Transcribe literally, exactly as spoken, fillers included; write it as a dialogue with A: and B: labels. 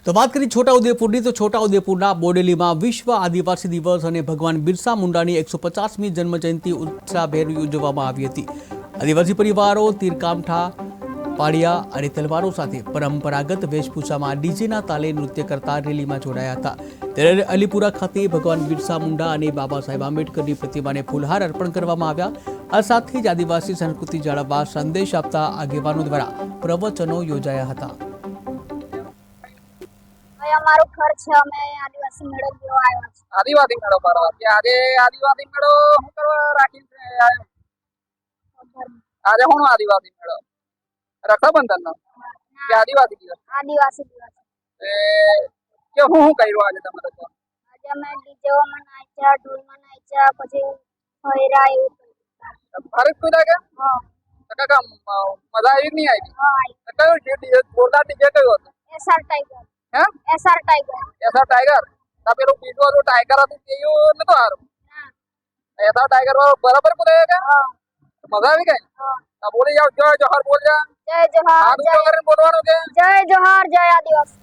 A: તો વાત કરી છોટાઉદેપુરની તો છોટાઉદેપુરના બોડેલીમાં વિશ્વ આદિવાસી દિવસ અને ભગવાન બિરસા મુંડાની એકસો પચાસમી જન્મજયંતિ ઉત્સાહભેર ઉજવવામાં આવી હતી। આદિવાસી પરિવારો તીરકામઠા પાળિયા અને તલવારો સાથે પરંપરાગત વેશભૂષામાં ડીજેના તાલે નૃત્ય કરતા રેલીમાં જોડાયા હતા। ત્યારે અલીપુરા ખાતે ભગવાન બિરસા મુંડા અને બાબા સાહેબ આંબેડકરની પ્રતિમાને ફૂલહાર અર્પણ કરવામાં આવ્યા। આ સાથે જ આદિવાસી સંસ્કૃતિ જાળવવા સંદેશ આપતા આગેવાનો દ્વારા પ્રવચનો યોજાયા હતા।
B: અમારું ઘર છે, અમે આદિવાસી મેળો જોવા આવ્યા છે।
C: આદિવાસી મેળો ભરવા કે આજે આદિવાસી મેળો શું કરવા રાખી છે? આજે શું આદિવાસી મેળો? રક્ષાબંધન નો કે આદિવાસી દિવસ?
B: આદિવાસી દિવસ
C: એ કે હું શું કર્યું આજે તમારે? તો
B: આજે અમે ડીજેમાં નાચ્યા, ઢોલમાં નાચ્યા, પછી ફેરા એવું કર્યું।
C: ભારત કુદા કે
B: હા
C: તો કાકા મજા આવી નહીં આવી?
B: હા આવી।
C: તો કયું ડીજે જોરદાર ડીજે કયું હતું?
B: એસઆર ટાઈગર
C: હે
B: એસઆર ટાઈગર
C: એસા ટાઈગર તો પેલું બીજું હતું ટાઈગર હતું તેયું નતું હારું? એસા ટાઈગર બરાબર બોલે કે
B: હા
C: મજા આવી ગઈ?
B: હા
C: તો બોલી જાવ જય જોહર બોલ જા।
B: જય જોહાર
C: સારું કરીને બોલવાનું કે
B: જય જોહાર જય આદિવાસી।